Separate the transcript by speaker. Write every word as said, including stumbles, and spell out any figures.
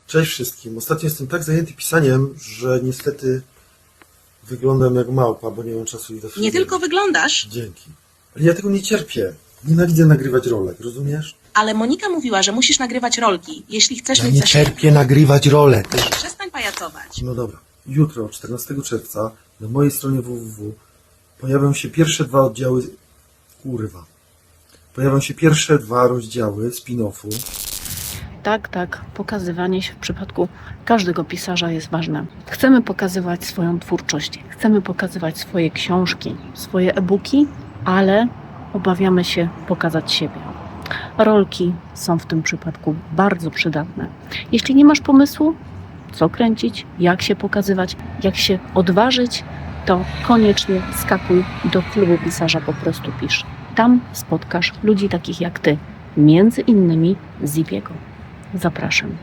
Speaker 1: Cześć wszystkim. Ostatnio jestem tak zajęty pisaniem, że niestety wyglądam jak małpa, bo nie mam czasu i do
Speaker 2: Nie tylko wyglądasz,
Speaker 1: Dzięki. Ale ja tego nie cierpię. Nienawidzę nagrywać rolek, rozumiesz?
Speaker 2: ale Monika mówiła, że musisz nagrywać rolki, jeśli chcesz
Speaker 1: Ja
Speaker 2: mieć
Speaker 1: nie
Speaker 2: zasięg.
Speaker 1: cierpię nagrywać rolek.
Speaker 2: Przestań pajacować.
Speaker 1: No dobra. Jutro, czternastego czerwca, na mojej stronie www pojawią się pierwsze dwa oddziały... Kurwa. Pojawią się pierwsze dwa rozdziały spin-offu.
Speaker 3: Tak, tak, pokazywanie się w przypadku każdego pisarza jest ważne. Chcemy pokazywać swoją twórczość, chcemy pokazywać swoje książki, swoje e-booki, ale obawiamy się pokazać siebie. Rolki są w tym przypadku bardzo przydatne. Jeśli nie masz pomysłu, co kręcić, jak się pokazywać, jak się odważyć, to koniecznie skakuj do klubu pisarza Po prostu Pisz. Tam spotkasz ludzi takich jak ty, między innymi Zipiego. Zapraszam.